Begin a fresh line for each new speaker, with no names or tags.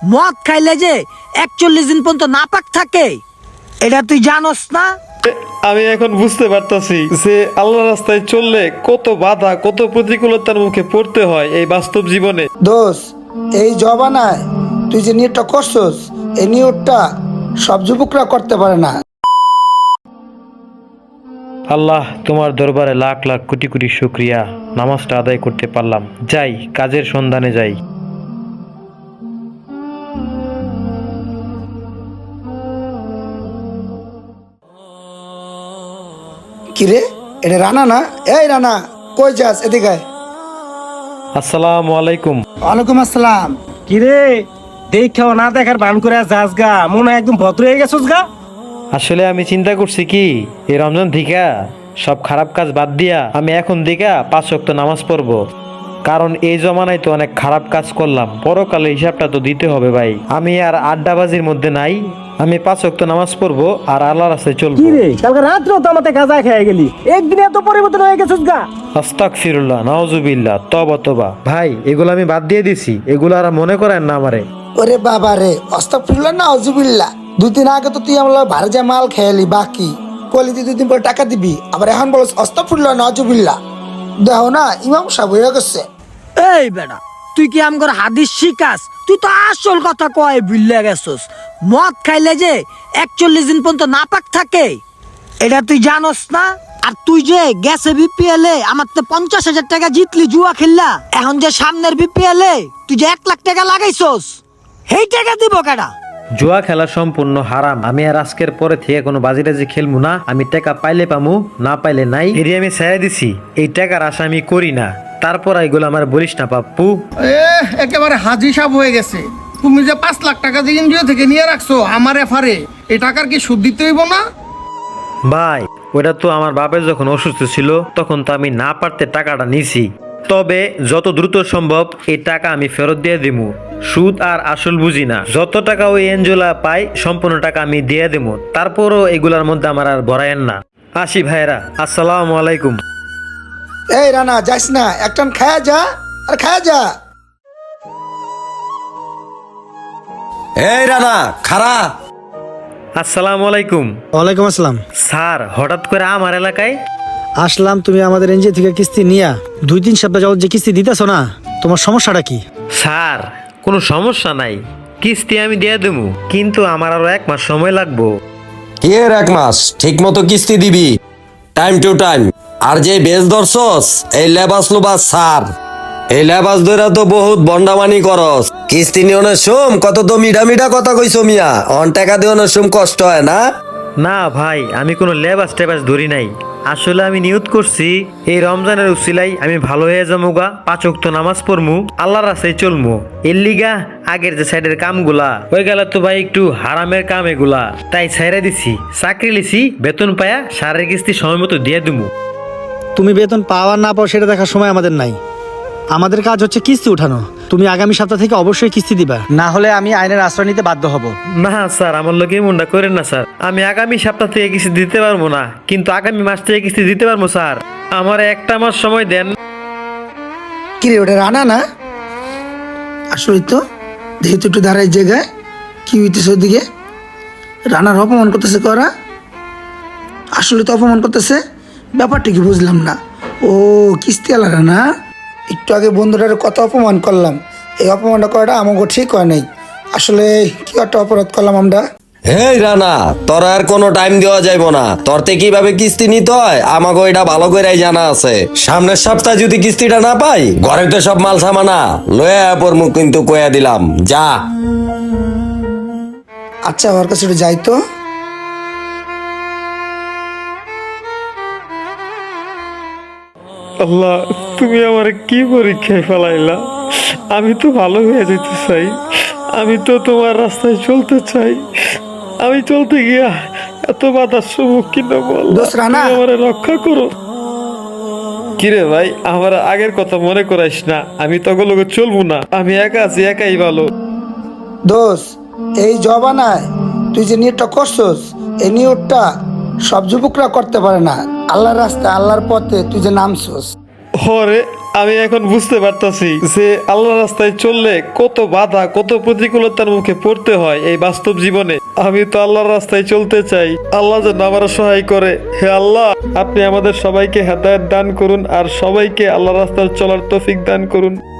মদ খাইলে যে 41 দিন পর্যন্ত নাপাক থাকে, এটা তুই জানোস না?
আমি এখন বুঝতে পারতাছি যে আল্লাহর রাস্তায় চললে কত বাধা, কত প্রতিকূলতার মুখে পড়তে হয় এই বাস্তব জীবনে।
দোষ, এই জবানায় তুই যে নিয়তটা করছস, এই নিয়তটা সব যুবকরা করতে পারে না।
আল্লাহ, তোমার দরবারে লাখ লাখ কোটি কোটি শুকরিয়া, নামাজটা আদায় করতে পারলাম। যাই, কাজের সন্ধানে যাই।
কিরে, এটা রানা না? এই রানা, কই যাস? এদিকে আয়।
আসসালামু আলাইকুম।
ওয়ালাইকুম আসসালাম।
কিরে, দেখাও না দেখার ভান করে যাস গা, মনে হয় একদম ভদ্র হয়ে গেছস গা।
আসলে আমি চিন্তা করছি কি, এই রমজান থেকে সব খারাপ কাজ বাদ দিয়া আমি এখন দিকা 5 ওয়াক্ত নামাজ পড়বো। কারণ এই জমানায় তো অনেক খারাপ কাজ করলাম, পরকালে হিসাবটা তো দিতে হবে ভাই। আমি আর আড্ডাবাজির মধ্যে নাই, আমি 5 ওয়াক্ত নামাজ পড়বো আর আল্লাহর রাস্তায় চলবো।
কিরে, কালকে রাত্রেও তো আমাতে গাঁজা খেয়ে গেলি, একদিনে এত পরিবর্তন হয়ে গেছস গা।
আস্তাগফিরুল্লাহ, নাউজুবিল্লাহ, তওবা তওবা। ভাই, এগুলো আমি বাদ দিয়ে দিছি, এগুলো আর মনে করেন না আমারে।
ওরে বাবা রে, আস্তাগফিরুল্লাহ না আউযুবিল্লাহ। 2 দিন আগে তো তুই আমার ভাড়া যা মাল খেয়ালি, বাকি কলি তুই 2 দিন পরে টাকা দিবি, আবার এখন বলছ আস্তাগফিরুল্লাহ না আউযুবিল্লাহ। দেখো না, ইমাম সাহেব হয়ে গেছে।
এই বেটা, তুই কি আমগর হাদিস শিখাস? তুই তো আসল কথা কয় ভুলে গেছস। মদ খাইলে যে 41 দিন পর্যন্ত নাপাক থাকে, এটা তুই জানোস না? আর তুই যে গেছে বিপিএল এ আমার তো 50,000 টাকা জিতলি জুয়া খেললা, এখন যে সামনের বিপিএল এ তুই যে 1 লাখ টাকা লাগাইছস, সেই টাকা দিব কেডা?
জুয়া খেলা সম্পূর্ণ হারাম। আমি আর আজকের পরে থেকে কোনো বাজিরাজি খেলবো না। আমি টাকা পাইলে পামু, না পাইলে নাই। এরি আমি ছেড়ে দিছি, এই টাকার আশা আমি করি না। তারপর এগুলো আমার বলিস না পাপ্পু।
একেবারে হাজি সাহেব হয়ে গেছে। তুমি যে 5 লাখ টাকা যে এনজিও থেকে নিয়ে রাখছো আমার এফারে, এই টাকার কি সুদ দিতে হইব না?
ভাই, ওটা তো আমার বাপের যখন অসুস্থ ছিল তখন তো আমি না পারতে টাকাটা নিছি। তবে যত দ্রুত সম্ভব এই টাকা আমি ফেরত দিয়ে দিমু। সুদ আর আসল বুঝি না। যত টাকা ওই এনজোলা পাই সম্পূর্ণ টাকা আমি দিয়ে দেবো। তারপরও এগুলার মধ্যে আমার আর ভরায়েন না। আসি ভাইরা, আসসালামু আলাইকুম।
এই রানা, যাস না, একটান খায়া যা, আর খায়া যা।
এই রানা, খারা।
আসসালামু আলাইকুম।
ওয়ালাইকুম আসসালাম।
স্যার, হঠাৎ করে আমার এলাকায়?
আসলাম, তুমি আমাদের এনজিও থেকে কিস্তি নিয়া 2-3 সপ্তাহ যাবত যে কিস্তি দিতেছ না, তোমার সমস্যাটা কি?
স্যার, কোনো সমস্যা নাই, কিস্তি আমি দিয়ে দেবো, কিন্তু আমার আরো 1 মাস সময় লাগবো।
কি এর 1 মাস? ঠিক মতো কিস্তি দিবি, টাইম টু টাইম। আর যে বেশ ধরছস, এই লেবাস লোবাস সার, এই লেবাস ধরে তো বহুত বন্ডামানি করস। কিস্তি নিয়নের সোম কত তো মিঠা মিঠা কথা কইছো মিয়া, অন টাকা দিওনের সোম কষ্ট হয় না?
না ভাই, আমি কোনো লেবাস টেবাস ধরি নাই। আসলে আমি নিয়ত করছি এই রমজানের উসিলাই আমি ভালো হয়ে যাবো গা, 5 ওয়াক্ত নামাজ পড়মু, আল্লাহর রাস্তায় চলমু। এর লিগা আগের যে সাইডের কামগুলা ওই গেল তো ভাই একটু হারামের কাম এগুলা, তাই ছাইরা দিছি। চাকরি লিছি, বেতন পায়া সারের কিস্তি সময় মতো দিয়ে দিমু।
তুমি বেতন পাওয়া না পাও সেটা দেখার সময় আমাদের নাই। আমাদের কাজ হচ্ছে কিস্তি উঠানো। তুমি আগামী সপ্তাহ থেকে অবশ্যই কিস্তি দিবা, না হলে আমি আইনের আশ্রয় নিতে বাধ্য হব।
না স্যার, আমার লোকে মনটা করেন না স্যার। আমি আগামী সপ্তাহ থেকে কিস্তি দিতে পারবো না, কিন্তু আগামী মাস থেকে কিস্তি দিতে পারবো স্যার। আমার 1টা মাস সময় দেন।
কিরে, ওটা রানা না? আসলে তো দেখি তো একটু দাঁড়াই জায়গায়, কি হইতেছে ওদিকে? রানার অপমান করতেছে করা, আসলে তো অপমান করতেছে। ব্যাপারটা কি বুঝলাম না। ও কিস্তি আলা রানা, একটু আগে বন্ধুটার কত অপমান করলাম, এই অপমানটা করাটা আমাকে ঠিক হয় নাই। আসলে কি একটা অপরাধ করলাম আমরা।
এই রানা, তোর আর কোনো টাইম দেওয়া যাইব না। তোরতে কিভাবে কিস্তি নিতে হয় আমাকে এটা ভালো করেই জানা আছে। সামনের সপ্তাহে যদি কিস্তিটা না পাই, ঘরে তো সব মাল সামানা লয়ে পড়মু, কিন্তু কয়া দিলাম, যা।
আচ্ছা, ওর কাছে একটু যাই তো।
আল্লাহ, তুমি আমার কি পরীক্ষায় ফেলাইলা? আমি তো ভালো হয়ে যেতে চাই, আমি তো তোমার রাস্তায় চলতে চাই। আমি চলতে গিয়া এত বাধার সম্মুখীন বল,
দোস্ত রানা।
তুমি আমারে রক্ষা করো। কিরে ভাই, আমার আগের কথা মনে করাইস না। আমি তখন লোক চলবো না, আমি একা আছি, একাই ভালো।
দোষ, এই জবানায় তুই যে নিয়তটা করছস, এই নিয়তটা সব যুবকরা করতে পারে না। আল্লাহর রাস্তায়, আল্লাহর পথে তুই যে নামছস।
হরে, আমি এখন বুঝতে পারতাছি যে আল্লাহর রাস্তায় চললে কত বাধা কত প্রতিকূলতার মুখে পড়তে হয় এই বাস্তব জীবনে। আমি তো আল্লাহর রাস্তায় চলতে চাই, আল্লাহ যেন আমার সহায় করে। হে আল্লাহ, আপনি আমাদের সবাইকে হেদায়েত দান করুন আর সবাইকে আল্লাহর রাস্তায় চলার তৌফিক দান করুন।